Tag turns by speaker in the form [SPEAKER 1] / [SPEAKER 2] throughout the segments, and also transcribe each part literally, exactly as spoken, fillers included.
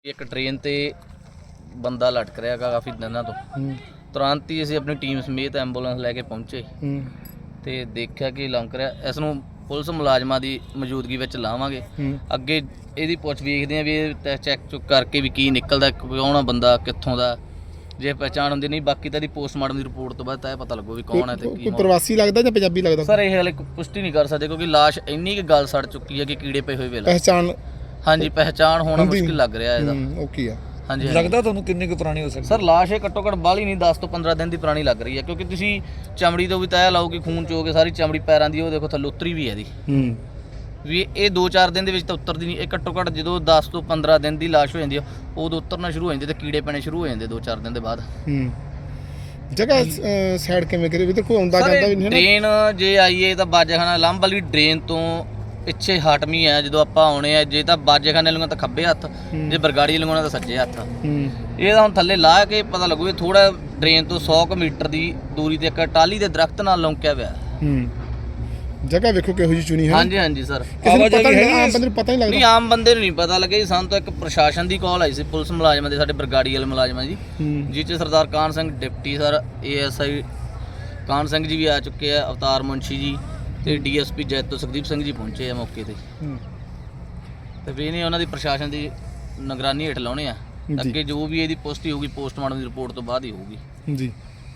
[SPEAKER 1] ਇੱਕ ਟ੍ਰੇਨ ਤੇ ਬੰਦਾ ਲਟਕ ਰਿਹਾ ਗਾ ਕਾਫੀ ਦਿਨਾਂ ਤੋਂ। ਤੁਰੰਤ ਹੀ ਅਸੀਂ ਆਪਣੀ ਟੀਮ ਸਮੇਤ ਐਂਬੂਲੈਂਸ ਲੈ ਕੇ ਪਹੁੰਚੇ ਤੇ ਦੇਖਿਆ ਕਿ ਲੰਘ ਰਿਹਾ। ਇਸ ਨੂੰ ਪੁਲਿਸ ਮੁਲਾਜ਼ਮਾਂ ਦੀ ਮੌਜੂਦਗੀ ਵਿੱਚ ਲਾਵਾਂਗੇ। ਅੱਗੇ ਇਹਦੀ ਪੁੱਛ ਵੇਖਦੇ ਆ ਵੀ ਇਹ ਚੈੱਕ ਚੁੱਕ ਕਰਕੇ ਵੀ ਕੀ ਨਿਕਲਦਾ, ਕੌਣ ਆ ਬੰਦਾ, ਕਿੱਥੋਂ ਦਾ। ਜੇ ਪਹਿਚਾਣ ਹੁੰਦੀ ਨਹੀਂ, ਬਾਕੀ ਤਾਂ ਇਹਦੀ ਪੋਸਟਮਾਰਟਮ ਦੀ ਰਿਪੋਰਟ ਤੋਂ ਬਾਅਦ ਤਾਂ ਇਹ ਪਤਾ ਲੱਗੂ ਵੀ ਕੌਣ ਹੈ ਤੇ ਕੀ।
[SPEAKER 2] ਕੋਈ ਪ੍ਰਵਾਸੀ ਲੱਗਦਾ ਜਾਂ ਪੰਜਾਬੀ ਲੱਗਦਾ
[SPEAKER 1] ਸਰ? ਇਹ ਹਾਲੇ ਪੁਸ਼ਟੀ ਨਹੀਂ ਕਰ ਸਕਦੇ ਕਿਉਂਕਿ ਲਾਸ਼ ਇੰਨੀ ਕਿ ਗੱਲ ਸੜ ਚੁੱਕੀ ਹੈ ਕਿ ਕੀੜੇ ਪਏ ਹੋਏ ਵੇਲੇ।
[SPEAKER 2] ਪਹਿਚਾਣ
[SPEAKER 1] ਹਾਂਜੀ, ਪਹਿਚਾਣ ਹੋਣਾ ਮੁਸ਼ਕਿਲ ਲੱਗ ਰਿਹਾ ਇਹਦਾ।
[SPEAKER 2] ਉਹ ਕੀ ਆ?
[SPEAKER 1] ਹਾਂਜੀ,
[SPEAKER 3] ਲੱਗਦਾ ਤੁਹਾਨੂੰ ਕਿੰਨੀ ਕੁ ਪੁਰਾਣੀ ਹੋ ਸਕਦੀ?
[SPEAKER 1] ਸਰ ਲਾਸ਼ ਇਹ ਘੱਟੋ ਘੱਟ ਬਾਹਲੀ ਨਹੀਂ, ਦਸ ਤੋਂ ਪੰਦਰਾਂ ਦਿਨ ਦੀ ਪੁਰਾਣੀ ਲੱਗ ਰਹੀ ਹੈ ਕਿਉਂਕਿ ਤੁਸੀਂ ਚਮੜੀ ਤੋਂ ਵੀ ਤੈਅ ਲਾਓ ਕਿ ਖੂਨ ਚੋ ਕੇ ਸਾਰੀ ਚਮੜੀ ਪੈਰਾਂ ਦੀ ਉਹ ਦੇਖੋ ਥੱਲੇ ਉਤਰੀ ਵੀ ਹੈ ਇਹਦੀ ਵੀ। ਇਹ ਦੋ ਚਾਰ ਦਿਨ ਦੇ ਵਿੱਚ ਤਾਂ ਉਤਰਦੀ ਨਹੀਂ। ਇਹ ਘੱਟੋ ਘੱਟ ਜਦੋਂ ਦਸ ਤੋਂ ਪੰਦਰਾਂ ਦਿਨ ਦੀ ਲਾਸ਼ ਹੋ ਜਾਂਦੀ ਆ ਉਦੋਂ ਉਤਰਨਾ ਸ਼ੁਰੂ ਹੋ ਜਾਂਦੇ ਤੇ ਕੀੜੇ ਪੈਣੇ ਸ਼ੁਰੂ ਹੋ ਜਾਂਦੇ ਦੋ ਚਾਰ ਦਿਨ ਦੇ ਬਾਅਦ।
[SPEAKER 2] ਜਗ੍ਹਾ ਸਾਈਡ ਕਿਵੇਂ ਕਰੇ ਵੀ ਤੇ ਕੋਈ ਆਉਂਦਾ ਜਾਂਦਾ ਵੀ ਨਹੀਂ?
[SPEAKER 1] ਟ੍ਰੇਨ ਜੇ ਆਈਏ ਤਾਂ ਬਾਜੇਖਾਨਾ ਲੰਬ ਵਾਲੀ ਟ੍ਰੇਨ ਤੋਂ ਪਿੱਛੇ ਹਟਵੀਂ ਹੈ ਜਦੋਂ ਆਪਾਂ ਆਉਣੇ ਆ। ਜੇ ਤਾਂ ਬਾਜੇਖਾਨੇ ਲੰਘਣਾ ਤਾਂ ਖੱਬੇ ਹੱਥ, ਜੇ ਬਰਗਾੜੀ ਲੰਘਣਾ ਤਾਂ ਸੱਜੇ ਹੱਥ। ਇਹ ਤਾਂ ਹੁਣ ਥੱਲੇ ਲਾ ਕੇ ਪਤਾ ਲੱਗੂ ਵੀ ਥੋੜਾ ਟ੍ਰੇਨ ਤੋਂ ਸੌ ਕੁ ਮੀਟਰ ਦੀ ਦੂਰੀ ਤੇ ਇੱਕ ਟਾਹਲੀ ਦੇ ਦਰਖਤ ਨਾਲ ਲੌਂਕਿਆ ਹੋਇਆ।
[SPEAKER 2] ਜਗ੍ਹਾ ਵੇਖੋ ਕਿਹੋ ਜਿਹੀ ਚੁਣੀ ਹੈ।
[SPEAKER 1] ਹਾਂਜੀ ਹਾਂਜੀ ਸਰ,
[SPEAKER 2] ਆਵਾਜਾਈ ਹੈ, ਆਮ ਬੰਦੇ ਨੂੰ ਪਤਾ ਨਹੀਂ ਲੱਗਦਾ।
[SPEAKER 1] ਨਹੀਂ, ਆਮ ਬੰਦੇ ਨੂੰ ਨਹੀਂ ਪਤਾ ਲੱਗਿਆ ਜੀ। ਸਾਨੂੰ ਤਾਂ ਇੱਕ ਪ੍ਰਸ਼ਾਸਨ ਦੀ ਕਾਲ ਆਈ ਸੀ, ਪੁਲਿਸ ਮੁਲਾਜ਼ਮਾਂ ਦੇ, ਸਾਡੇ ਬਰਗਾੜੀ ਵਾਲੇ ਮੁਲਾਜ਼ਮਾਂ ਜੀ, ਜਿਸ 'ਚ Sardar Kan Singh deputy sir, A S I Kan Singh ਜੀ ਵੀ ਆ ਚੁੱਕੇ ਆ, ਅਵਤਾਰ ਮੁੰਸ਼ੀ ਜੀ ਤੇ D S P Jaito Sukhdeep Singh ji ਪਹੁੰਚੇ ਆ ਮੌਕੇ ਤੇ। ਤੇ ਵੀ ਨਹੀਂ ਉਹਨਾਂ ਦੀ ਪ੍ਰਸ਼ਾਸਨ ਦੀ ਨਿਗਰਾਨੀ ਹੇਠ ਲਾਉਣੇ ਆ। ਅੱਗੇ ਜੋ ਵੀ ਇਹਦੀ ਪੁਸ਼ਟੀ ਹੋਊਗੀ ਪੋਸਟਮਾਰਟਮ ਦੀ ਰਿਪੋਰਟ ਤੋਂ ਬਾਅਦ ਹੀ ਹੋਊਗੀ
[SPEAKER 2] ਜੀ।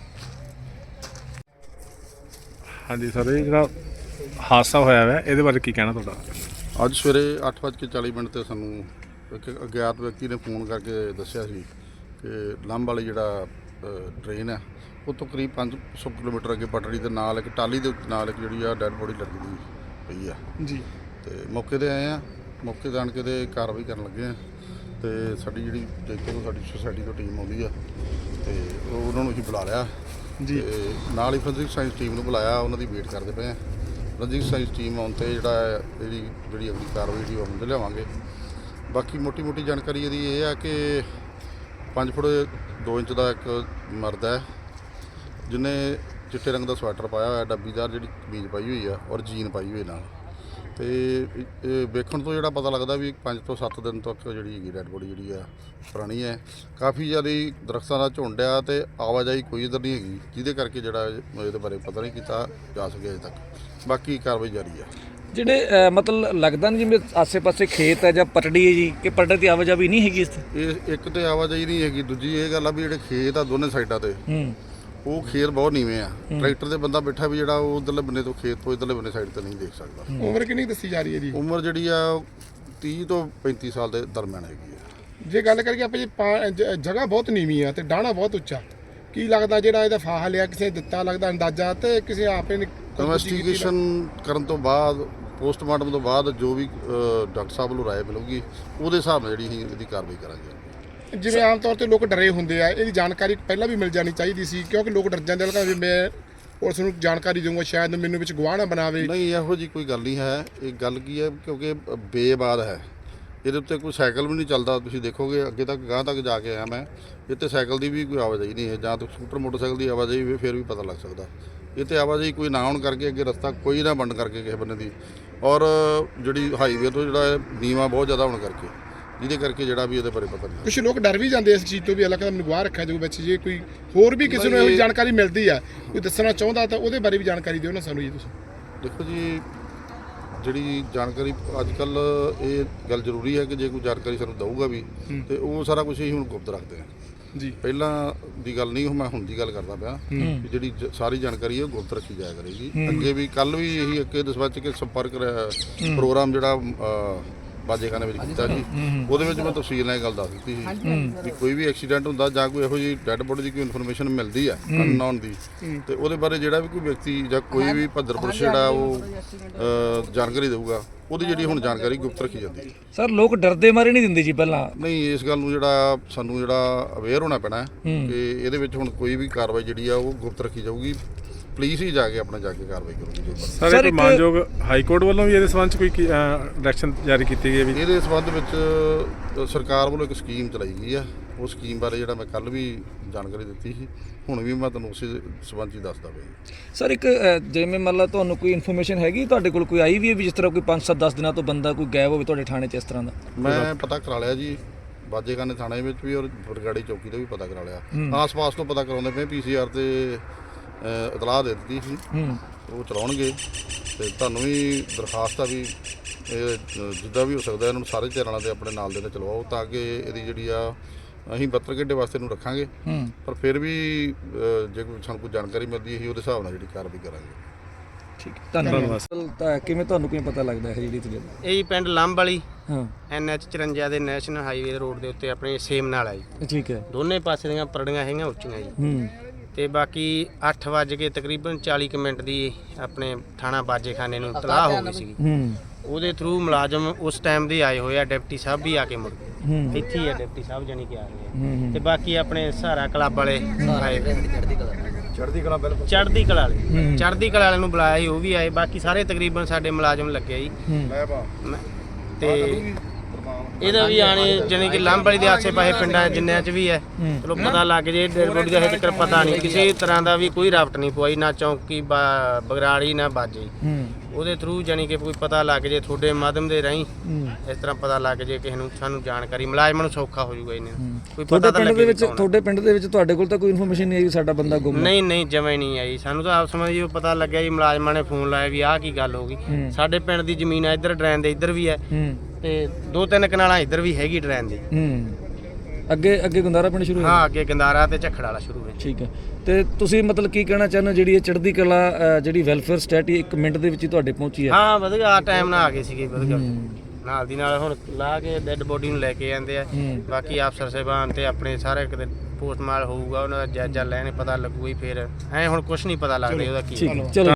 [SPEAKER 4] ਹਾਂਜੀ ਸਰ, ਇਹ ਜਿਹੜਾ ਹਾਦਸਾ ਹੋਇਆ ਵਾ ਇਹਦੇ ਬਾਰੇ ਕੀ ਕਹਿਣਾ ਤੁਹਾਡਾ?
[SPEAKER 5] ਅੱਜ ਸਵੇਰੇ ਅੱਠ ਵੱਜ ਕੇ ਚਾਲੀ ਮਿੰਟ 'ਤੇ ਸਾਨੂੰ ਇੱਕ ਅਗਿਆਤ ਵਿਅਕਤੀ ਨੇ ਫੋਨ ਕਰਕੇ ਦੱਸਿਆ ਸੀ ਕਿ ਲੰਬ ਵਾਲੀ ਜਿਹੜਾ ਟ੍ਰੇਨ ਹੈ ਉਹ ਤੋਂ ਕਰੀਬ ਪੰਜ ਸੌ ਕਿਲੋਮੀਟਰ ਅੱਗੇ ਪਟੜੀ ਦੇ ਨਾਲ ਇੱਕ ਟਾਲੀ ਦੇ ਨਾਲ ਇੱਕ ਜਿਹੜੀ ਆ ਡੈੱਡ ਬੋਡੀ ਲਟਕਦੀ ਪਈ ਆ ਜੀ। ਤੇ ਮੌਕੇ 'ਤੇ ਆਏ ਆ, ਮੌਕੇ 'ਤੇ ਆਣ ਕੇ ਤੇ ਕਾਰਵਾਈ ਕਰਨ ਲੱਗੇ ਆ। ਤੇ ਸਾਡੀ ਜਿਹੜੀ ਦੇਖੋ ਸਾਡੀ ਸੁਸਾਇਟੀ ਤੋਂ ਟੀਮ ਆਉਂਦੀ ਆ ਤੇ ਉਹ ਉਹਨਾਂ ਨੂੰ ਅਸੀਂ ਬੁਲਾ ਲਿਆ ਜੀ। ਤੇ ਨਾਲ ਹੀ ਫੋਰੈਂਸਿਕ ਸਾਇੰਸ ਟੀਮ ਨੂੰ ਬੁਲਾਇਆ, ਉਹਨਾਂ ਦੀ ਵੇਟ ਕਰਦੇ ਪਏ ਆ। ਫੋਰੈਂਸਿਕ ਸਾਇੰਸ ਟੀਮ ਆਉਣ 'ਤੇ ਜਿਹੜਾ ਇਹਦੀ ਜਿਹੜੀ ਅਗਲੀ ਕਾਰਵਾਈ ਜਿਹੜੀ ਉਹ ਅਮਲ ਲਿਆਵਾਂਗੇ। ਬਾਕੀ ਮੋਟੀ ਮੋਟੀ ਜਾਣਕਾਰੀ ਇਹਦੀ ਇਹ ਆ ਕਿ ਪੰਜ ਫੁੱਟ ਦੋ ਇੰਚ ਦਾ ਇੱਕ ਮਰਦ ਹੈ ਜਿਹਨੇ ਚਿੱਟੇ ਰੰਗ ਦਾ ਸਵੈਟਰ ਪਾਇਆ ਹੋਇਆ, ਡੱਬੀਦਾਰ ਜਿਹੜੀ ਕਮੀਜ਼ ਪਾਈ ਹੋਈ ਆ ਔਰ ਜੀਨ ਪਾਈ ਹੋਈ ਨਾਲ। ਅਤੇ ਇਹ ਵੇਖਣ ਤੋਂ ਜਿਹੜਾ ਪਤਾ ਲੱਗਦਾ ਵੀ ਪੰਜ ਤੋਂ ਸੱਤ ਦਿਨ ਤੱਕ ਜਿਹੜੀ ਹੈਗੀ ਡੈਡ ਬੋਡੀ ਜਿਹੜੀ ਆ ਪੁਰਾਣੀ ਹੈ। ਕਾਫੀ ਜ਼ਿਆਦਾ ਦਰਖਤਾਂ ਦਾ ਝੁੰਡ ਆ ਅਤੇ ਆਵਾਜਾਈ ਕੋਈ ਇੱਧਰ ਨਹੀਂ ਹੈਗੀ, ਜਿਹਦੇ ਕਰਕੇ ਜਿਹੜਾ ਇਹਦੇ ਬਾਰੇ ਪਤਾ ਨਹੀਂ ਕੀਤਾ ਜਾ ਸਕਿਆ ਅਜੇ ਤੱਕ। ਬਾਕੀ ਕਾਰਵਾਈ ਜਾਰੀ ਆ।
[SPEAKER 3] ਜਿਹੜੇ ਮਤਲਬ ਲੱਗਦਾ ਨਹੀਂ ਜਿਵੇਂ ਆਸੇ ਪਾਸੇ ਖੇਤ ਹੈ ਜਾਂ ਪਟੜੀ ਹੈ ਜੀ, ਕਿ ਪਟੜੀ ਦੀ ਆਵਾਜਾਈ ਨਹੀਂ ਹੈਗੀ ਇਸ ਤੇ?
[SPEAKER 5] ਇਹ ਇੱਕ ਤਾਂ ਆਵਾਜਾਈ ਨਹੀਂ ਹੈਗੀ, ਦੂਜੀ ਇਹ ਗੱਲ ਆ ਵੀ ਜਿਹੜੇ ਖੇਤ ਆ ਦੋਨੇ ਸਾਈਡਾਂ 'ਤੇ ਉਹ ਖੇਤ ਬਹੁਤ ਨੀਵੇਂ ਆ। ਟਰੈਕਟਰ 'ਤੇ ਬੰਦਾ ਬੈਠਾ ਵੀ ਜਿਹੜਾ ਉਹ ਉੱਧਰਲੇ ਬੰਨੇ ਤੋਂ ਖੇਤ ਤੋਂ ਇੱਧਰਲੇ ਬੰਨੇ ਸਾਈਡ 'ਤੇ ਨਹੀਂ ਦੇਖ ਸਕਦਾ।
[SPEAKER 2] ਉਮਰ ਕਿੰਨੀ ਦੱਸੀ ਜਾ ਰਹੀ ਹੈ ਜੀ?
[SPEAKER 5] ਉਮਰ ਜਿਹੜੀ ਆ ਤੀਹ ਤੋਂ ਪੈਂਤੀ ਸਾਲ ਦੇ ਦਰਮਿਆਨ ਹੈਗੀ ਆ।
[SPEAKER 2] ਜੇ ਗੱਲ ਕਰੀਏ ਆਪਾਂ ਜੀ, ਜਗ੍ਹਾ ਬਹੁਤ ਨੀਵੀਂ ਆ ਤੇ ਡਾਹਣਾ ਬਹੁਤ ਉੱਚਾ, ਕੀ ਲੱਗਦਾ ਜਿਹੜਾ ਇਹਦਾ ਫਾਹਾ ਲਿਆ ਕਿਸੇ ਦਿੱਤਾ ਲੱਗਦਾ ਅੰਦਾਜ਼ਾ ਤੇ ਕਿਸੇ ਆਪੇ ਨੇ?
[SPEAKER 5] ਇਨਵੈਸਟੀਗੇਸ਼ਨ ਕਰਨ ਤੋਂ ਬਾਅਦ, ਪੋਸਟਮਾਰਟਮ ਤੋਂ ਬਾਅਦ ਜੋ ਵੀ ਡਾਕਟਰ ਸਾਹਿਬ ਨੂੰ ਰਾਏ ਮਿਲੂਗੀ ਉਹਦੇ ਹਿਸਾਬ ਨਾਲ ਜਿਹੜੀ ਅਸੀਂ ਇਹਦੀ ਕਾਰਵਾਈ ਕਰਾਂਗੇ।
[SPEAKER 2] ਜਿਵੇਂ ਆਮ ਤੌਰ ਤੇ ਲੋਕ ਡਰੇ ਹੁੰਦੇ ਆ, ਇਹਦੀ ਜਾਣਕਾਰੀ ਪਹਿਲਾਂ ਵੀ ਮਿਲ ਜਾਣੀ ਚਾਹੀਦੀ ਸੀ ਕਿਉਂਕਿ ਲੋਕ ਡਰ ਜਾਂਦੇ ਲੱਗਦਾ ਵੀ ਮੈਂ ਪੁਲਿਸ ਨੂੰ ਜਾਣਕਾਰੀ ਦਊਂਗਾ ਸ਼ਾਇਦ ਮੈਨੂੰ ਵਿੱਚ ਗਵਾਹ ਨਾ ਬਣਾਵੇ।
[SPEAKER 5] ਨਹੀਂ, ਇਹੋ ਜਿਹੀ ਕੋਈ ਗੱਲ ਨਹੀਂ ਹੈ। ਇਹ ਗੱਲ ਕੀ ਹੈ ਕਿਉਂਕਿ ਬੇਬਾਦ ਹੈ, ਇਹਦੇ ਉੱਤੇ ਕੋਈ ਸਾਈਕਲ ਵੀ ਨਹੀਂ ਚੱਲਦਾ। ਤੁਸੀਂ ਦੇਖੋਗੇ ਅੱਗੇ ਤੱਕ ਗਾਂਹ ਤੱਕ ਜਾ ਕੇ ਆਇਆ ਮੈਂ, ਇੱਥੇ ਸਾਈਕਲ ਦੀ ਵੀ ਕੋਈ ਆਵਾਜਾਈ ਨਹੀਂ ਹੈ, ਜਾਂ ਤਾਂ ਸਕੂਟਰ ਮੋਟਰਸਾਈਕਲ ਦੀ ਆਵਾਜਾਈ ਵੀ ਫਿਰ ਵੀ ਪਤਾ ਲੱਗ ਸਕਦਾ। ਇੱਥੇ ਆਵਾਜਾਈ ਕੋਈ ਨਾ ਹੋਣ ਕਰਕੇ ਅੱਗੇ ਰਸਤਾ ਕੋਈ ਨਾ ਬੰਦ ਕਰਕੇ ਕਿਸੇ ਬੰਨੇ ਦੀ, ਔਰ ਜਿਹੜੀ ਹਾਈਵੇ ਤੋਂ ਜਿਹੜਾ ਨੀਵਾਂ ਬਹੁਤ ਜ਼ਿਆਦਾ ਹੋਣ ਕਰਕੇ, ਜਿਹਦੇ ਕਰਕੇ ਜਿਹੜਾ ਵੀ ਇਹਦੇ ਬਾਰੇ ਪਤਾ ਨਹੀਂ। ਕੁਛ
[SPEAKER 2] ਲੋਕ ਡਰ ਵੀ ਜਾਂਦੇ ਇਸ ਚੀਜ਼ ਤੋਂ ਵੀ ਅਲੱਗ ਮੈਨੂੰ ਗਵਾਹ ਰੱਖਿਆ ਜਾਊ ਵਿੱਚ। ਜੇ ਕੋਈ ਹੋਰ ਵੀ ਕਿਸੇ ਨੂੰ ਇਹੋ ਜਿਹੀ ਜਾਣਕਾਰੀ ਮਿਲਦੀ ਆ, ਕੋਈ ਦੱਸਣਾ ਚਾਹੁੰਦਾ ਤਾਂ ਉਹਦੇ ਬਾਰੇ ਵੀ ਜਾਣਕਾਰੀ ਦਿਓ ਨਾ ਸਾਨੂੰ ਜੀ ਤੁਸੀਂ।
[SPEAKER 5] ਦੇਖੋ ਜੀ, ਜਿਹੜੀ ਜਾਣਕਾਰੀ ਅੱਜ ਕੱਲ੍ਹ ਇਹ ਗੱਲ ਜ਼ਰੂਰੀ ਹੈ ਕਿ ਜੇ ਕੋਈ ਜਾਣਕਾਰੀ ਸਾਨੂੰ ਦਊਗਾ ਵੀ ਤੇ ਉਹ ਸਾਰਾ ਕੁਝ ਹੀ ਹੁਣ ਗੁਪਤ ਰੱਖਦੇ ਹਾਂ ਜੀ। ਪਹਿਲਾਂ ਦੀ ਗੱਲ ਨਹੀਂ, ਮੈਂ ਹੁਣ ਦੀ ਗੱਲ ਕਰਦਾ ਪਿਆ ਕਿ ਜਿਹੜੀ ਸਾਰੀ ਜਾਣਕਾਰੀ ਹੈ ਗੁਪਤ ਰੱਖੀ ਜਾਇਆ ਕਰੇਗੀ। ਅੱਗੇ ਵੀ ਕੱਲ੍ਹ ਵੀ ਇਹੀ ਅੱਗੇ ਦਸਵੱਚ ਕੇ ਸੰਪਰਕ ਪ੍ਰੋਗਰਾਮ ਜਿਹੜਾ ਬਾਜੇਖਾਨੇ ਵਿੱਚ ਕੀਤਾ ਜੀ, ਉਹਦੇ ਵਿੱਚ ਮੈਂ ਤਫਸੀਲ ਨਾਲ ਇਹ ਗੱਲ ਦੱਸ ਦਿੱਤੀ ਸੀ ਵੀ ਕੋਈ ਵੀ ਐਕਸੀਡੈਂਟ ਹੁੰਦਾ ਜਾਂ ਕੋਈ ਇਹੋ ਜਿਹੀ ਡੈੱਡ ਬੋਡੀ ਦੀ ਕੋਈ ਇਨਫੋਰਮੇਸ਼ਨ ਮਿਲਦੀ ਹੈ ਅਨਨੋਨ ਦੀ, ਤੇ ਉਹਦੇ ਬਾਰੇ ਜਿਹੜਾ ਵੀ ਕੋਈ ਵਿਅਕਤੀ ਜਾਂ ਕੋਈ ਵੀ ਭੱਦਰ ਪੁਰਸ਼ ਜਿਹੜਾ ਉਹ ਜਾਣਕਾਰੀ ਦੇਊਗਾ, ਉਹਦੀ ਜਿਹੜੀ ਹੁਣ ਜਾਣਕਾਰੀ ਗੁਪਤ ਰੱਖੀ ਜਾਂਦੀ ਹੈ।
[SPEAKER 3] ਸਰ ਲੋਕ ਡਰਦੇ ਮਾਰੇ ਨਹੀਂ ਦਿੰਦੇ ਜੀ ਪਹਿਲਾਂ?
[SPEAKER 5] ਨਹੀਂ, ਇਸ ਗੱਲ ਨੂੰ ਜਿਹੜਾ ਸਾਨੂੰ ਜਿਹੜਾ ਅਵੇਅਰ ਹੋਣਾ ਪੈਣਾ ਕਿ ਇਹਦੇ ਵਿੱਚ ਹੁਣ ਕੋਈ ਵੀ ਕਾਰਵਾਈ ਜਿਹੜੀ ਆ ਉਹ ਗੁਪਤ ਰੱਖੀ ਜਾਊਗੀ। ਪੁਲਿਸ ਹੀ ਜਾ ਕੇ ਆਪਣਾ ਜਾ ਕੇ ਕਾਰਵਾਈ ਕਰੂਗੀ।
[SPEAKER 4] ਸਰ, ਇੱਕ ਮਾਨਯੋਗ ਹਾਈ ਕੋਰਟ ਵੱਲੋਂ ਵੀ ਇਹਦੇ ਸੰਬੰਧ 'ਚ ਕੋਈ ਡਾਇਰੈਕਸ਼ਨ ਜਾਰੀ ਕੀਤੀ ਗਈ ਹੈ ਵੀ?
[SPEAKER 5] ਇਹਦੇ ਸੰਬੰਧ ਵਿੱਚ ਸਰਕਾਰ ਵੱਲੋਂ ਇੱਕ ਸਕੀਮ ਚਲਾਈ ਗਈ ਆ। ਉਹ ਸਕੀਮ ਬਾਰੇ ਜਿਹੜਾ ਮੈਂ ਕੱਲ੍ਹ ਵੀ ਜਾਣਕਾਰੀ ਦਿੱਤੀ ਸੀ, ਹੁਣ ਵੀ ਮੈਂ ਤੁਹਾਨੂੰ ਉਸੇ ਸੰਬੰਧ 'ਚ ਦੱਸਦਾ ਪਿਆ।
[SPEAKER 3] ਸਰ ਇੱਕ ਜਿਵੇਂ ਮਤਲਬ ਤੁਹਾਨੂੰ ਕੋਈ ਇਨਫੋਰਮੇਸ਼ਨ ਹੈਗੀ ਤੁਹਾਡੇ ਕੋਲ ਕੋਈ ਆਈ ਵੀ ਹੈ ਵੀ ਜਿਸ ਤਰ੍ਹਾਂ ਕੋਈ ਪੰਜ ਸੱਤ ਦਸ ਦਿਨਾਂ ਤੋਂ ਬੰਦਾ ਕੋਈ ਗਾਇਬ ਹੋਵੇ ਤੁਹਾਡੇ ਥਾਣੇ 'ਚ ਇਸ ਤਰ੍ਹਾਂ ਦਾ?
[SPEAKER 5] ਮੈਂ ਪਤਾ ਕਰਾ ਲਿਆ ਜੀ, ਬਾਜੇਖਾਨੇ ਥਾਣੇ ਵਿੱਚ ਵੀ ਔਰ ਬਰਗਾੜੀ ਚੌਕੀ ਤੇ ਵੀ ਪਤਾ ਕਰਾ ਲਿਆ। ਆਸ-ਪਾਸ ਤੋਂ ਪਤਾ ਕਰਾਉਂਦੇ ਪਏ ਪੀਸੀਆਰ ਤੇ ਅ, ਇਤਲਾਹ ਦੇ ਦਿੱਤੀ ਸੀ, ਉਹ ਚਲਾਉਣਗੇ। ਤੇ ਤੁਹਾਨੂੰ ਵੀ ਦਰਖਾਸਤ ਆ ਵੀ ਇਹ ਅ, ਜਿੱਦਾਂ ਵੀ ਹੋ ਸਕਦਾ ਇਹਨਾਂ ਨੂੰ ਸਾਰੇ ਚੈਨਲਾਂ ਦੇ ਆਪਣੇ ਨਾਲ ਦੇ ਨਾਲ ਚਲਵਾਓ, ਤਾਂ ਕਿ ਇਹਦੀ ਜਿਹੜੀ ਆ ਅਸੀਂ ਬਹੱਤਰ ਘੰਟੇ ਵਾਸਤੇ ਇਹਨੂੰ ਰੱਖਾਂਗੇ, ਪਰ ਫਿਰ ਵੀ ਅ, ਜੇ ਕੋਈ ਸਾਨੂੰ ਕੋਈ ਜਾਣਕਾਰੀ ਮਿਲਦੀ ਹੈ ਉਹਦੇ ਹਿਸਾਬ ਨਾਲ ਜਿਹੜੀ ਕਾਰਵਾਈ ਕਰਾਂਗੇ।
[SPEAKER 3] ਠੀਕ ਹੈ, ਧੰਨਵਾਦ। ਤਾਂ ਕਿਵੇਂ ਤੁਹਾਨੂੰ ਕਿਵੇਂ ਪਤਾ ਲੱਗਦਾ ਹੈ ਜਿਹੜੀ ਤੁਸੀਂ
[SPEAKER 6] ਇਹ ਜੀ ਪਿੰਡ ਲੰਬ ਵਾਲੀ
[SPEAKER 3] ਹਾਂ
[SPEAKER 6] ਐਨ ਐਚ ਚੁਰੰਜਾ ਦੇ ਨੈਸ਼ਨਲ ਹਾਈਵੇ ਰੋਡ ਦੇ ਉੱਤੇ ਆਪਣੇ ਸੇਮ ਨਾਲ ਆ ਜੀ।
[SPEAKER 3] ਠੀਕ ਹੈ।
[SPEAKER 6] ਦੋਨੇ ਪਾਸੇ ਦੀਆਂ ਪਰੜੀਆਂ ਹੈਗੀਆਂ ਉੱਚੀਆਂ ਜੀ।
[SPEAKER 3] ਹੂੰ
[SPEAKER 6] ਤੇ ਬਾਕੀ ਅੱਠ ਵੱਜ ਕੇ ਤਕਰੀਬਨ ਚਾਲੀ ਕੁ ਮਿੰਟ ਦੀ ਆਪਣੇ ਥਾਣਾ ਬਾਜੇਖਾਨੇ ਨੂੰ ਇਤਲਾਹ ਹੋ ਗਈ ਸੀ।
[SPEAKER 3] ਹੂੰ
[SPEAKER 6] ਉਹਦੇ ਥਰੂ ਮੁਲਾਜ਼ਮ ਉਸ ਟਾਈਮ ਦੇ ਆਏ ਹੋਏ ਆ, ਡਿਪਟੀ ਸਾਹਿਬ ਵੀ ਆ ਕੇ ਮੁੜ ਗਏ।
[SPEAKER 3] ਹੂੰ
[SPEAKER 6] ਇੱਥੇ ਹੀ ਆ ਡਿਪਟੀ ਸਾਹਿਬ ਜਾਨੀ ਕਿ ਆ ਗਏ ਆ।
[SPEAKER 3] ਹੂੰ
[SPEAKER 6] ਤੇ ਬਾਕੀ ਆਪਣੇ ਸਹਾਰਾ ਕਲੱਬ ਵਾਲੇ ਆਏ
[SPEAKER 1] ਚੜ੍ਹਦੀ ਕਲਾ
[SPEAKER 6] ਚੜ੍ਹਦੀ ਕਲਾ ਬਿਲਕੁਲ ਚੜ੍ਹਦੀ ਕਲਾ ਵਾਲੇ ਚੜ੍ਹਦੀ ਕਲਾ ਵਾਲੇ ਨੂੰ ਬੁਲਾਇਆ ਸੀ, ਉਹ ਵੀ ਆਏ। ਬਾਕੀ ਸਾਰੇ ਤਕਰੀਬਨ ਸਾਡੇ ਮੁਲਾਜ਼ਮ ਲੱਗੇ ਜੀ। ਮੈਂ- ਤੇ ਇਹਦਾ ਵੀ ਆਣੇ ਜਾਨੀ ਕਿ ਲੰਬ ਵਾਲੀ ਦੇ ਆਸੇ ਪਾਸੇ ਪਿੰਡਾਂ ਜਿੰਨਿਆਂ 'ਚ ਵੀ ਹੈ, ਚਲੋ ਪਤਾ ਲੱਗ ਜੇ। ਡੈਡ ਬੋਡੀ ਦਾ ਹਜੇ ਤੱਕ ਪਤਾ ਨਹੀਂ, ਕਿਸੇ ਤਰ੍ਹਾਂ ਦਾ ਵੀ ਕੋਈ ਰਾਫਟ ਨਹੀਂ ਪਵਾਈ, ਨਾ ਚੌਂਕੀ ਬਾ- ਬਗਰਾੜੀ ਨਾ ਬਾਜੇ।
[SPEAKER 3] ਹੂੰ
[SPEAKER 6] ਉਹਦੇ ਥਰੂ ਜਾਨੀ ਕਿ ਕੋਈ ਪਤਾ ਲੱਗ ਜੇ ਤੁਹਾਡੇ ਮਾਧਿਅਮ ਦੇ ਰਾਹੀਂ,
[SPEAKER 3] ਹੂੰ
[SPEAKER 6] ਇਸ ਤਰ੍ਹਾਂ ਪਤਾ ਲੱਗ ਜੇ ਕਿਸੇ ਨੂੰ, ਸਾਨੂੰ ਜਾਣਕਾਰੀ ਮੁਲਾਜ਼ਮਾਂ ਨੂੰ ਸੌਖਾ ਹੋ ਜਾਊਗਾ ਇਹਨੇ ਕੋਈ
[SPEAKER 3] ਤੁਹਾਡੇ
[SPEAKER 6] ਪਤਾ ਤਾਂ
[SPEAKER 3] ਪਿੰਡ
[SPEAKER 6] ਲੱਗੇ
[SPEAKER 3] ਦੇ
[SPEAKER 6] ਵੀ
[SPEAKER 3] ਵਿੱਚ
[SPEAKER 6] ਕੌਣ ਆ।
[SPEAKER 3] ਤੁਹਾਡੇ ਪਿੰਡ ਦੇ ਵਿੱਚ ਤੁਹਾਡੇ ਕੋਲ ਤਾਂ ਕੋਈ ਇਨਫੋਰਮੇਸ਼ਨ ਨਹੀਂ ਆਈ ਵੀ ਸਾਡਾ ਬੰਦਾ ਗੁੰਮ ਹੈ?
[SPEAKER 6] ਨਹੀਂ ਨਹੀਂ ਜਮਾਂ ਹੀ ਨਹੀਂ ਆਈ ਸਾਨੂੰ ਤਾਂ ਆਪ ਸਮਝ ਜੀ ਪਤਾ ਲੱਗਿਆ ਜੀ, ਮੁਲਾਜ਼ਮਾਂ ਨੇ ਫੋਨ ਲਾਇਆ ਵੀ ਆਹ ਕੀ ਗੱਲ ਹੋ ਗਈ।
[SPEAKER 3] ਹੂੰ।
[SPEAKER 6] ਸਾਡੇ ਪਿੰਡ ਦੀ ਜ਼ਮੀਨ ਆ ਇੱਧਰ ਡਰੈਨ ਦੇ ਇੱਧਰ ਵੀ ਹੈ,
[SPEAKER 3] ਹੂੰ
[SPEAKER 6] ਤੇ ਦੋ ਤਿੰਨ ਕਨਾਲਾਂ ਇੱਧਰ ਵੀ ਹੈਗੀ ਡਰੈਨ ਦੀ।
[SPEAKER 3] ਹੂੰ ਅੱਗੇ ਅੱਗੇ ਗੁੰਦਾਰਾ ਪਿੰਡ ਸ਼ੁਰੂ ਹੋਇਆ?
[SPEAKER 6] ਹਾਂ ਅੱਗੇ ਗੰਦਾਰਾ ਤੇ ਝੱਖੜ ਵਾਲਾ ਸ਼ੁਰੂ ਹੋਇਆ।
[SPEAKER 3] ਠੀਕ ਹੈ। ਤੇ ਤੁਸੀਂ ਮਤਲਬ ਕੀ ਕਹਿਣਾ ਚਾਹੁੰਦੇ ਹੋ, ਜਿਹੜੀ ਇਹ ਚੜ੍ਹਦੀ ਕਲਾ ਅ, ਜਿਹੜੀ ਵੈਲਫੇਅਰ ਸਟੇਟੀ ਇੱਕ ਮਿੰਟ ਦੇ ਵਿੱਚ ਹੀ ਤੁਹਾਡੇ ਪਹੁੰਚੀ ਹੈ?
[SPEAKER 6] ਹਾਂ ਵਧੀਆ ਟਾਈਮ ਨਾਲ ਆ ਗਏ ਸੀਗੇ ਵਧੀਆ, ਨਾਲ ਦੀ ਨਾਲ ਹੁਣ ਲਾ ਕੇ ਡੈੱਡ ਬੋਡੀ ਨੂੰ ਲੈ ਕੇ ਜਾਂਦੇ ਆ।
[SPEAKER 3] ਹੂੰ।
[SPEAKER 6] ਬਾਕੀ ਅਫਸਰ ਸਾਹਿਬਾਨ ਤੇ ਆਪਣੇ ਸਾਰੇ ਕਿਤੇ ਪੋਸਟਮਾਰਟਮ ਹੋਊਗਾ, ਉਹਨਾਂ ਦਾ ਜਾਇਜ਼ਾ ਲੈਣੇ, ਪਤਾ ਲੱਗੂਗਾ ਹੀ। ਫਿਰ ਐ ਹੁਣ ਕੁਝ ਨਹੀਂ ਪਤਾ ਲੱਗਦਾ ਉਹਦਾ ਕੀ
[SPEAKER 3] ਠੀਕ ਹੈ, ਚਲੋ।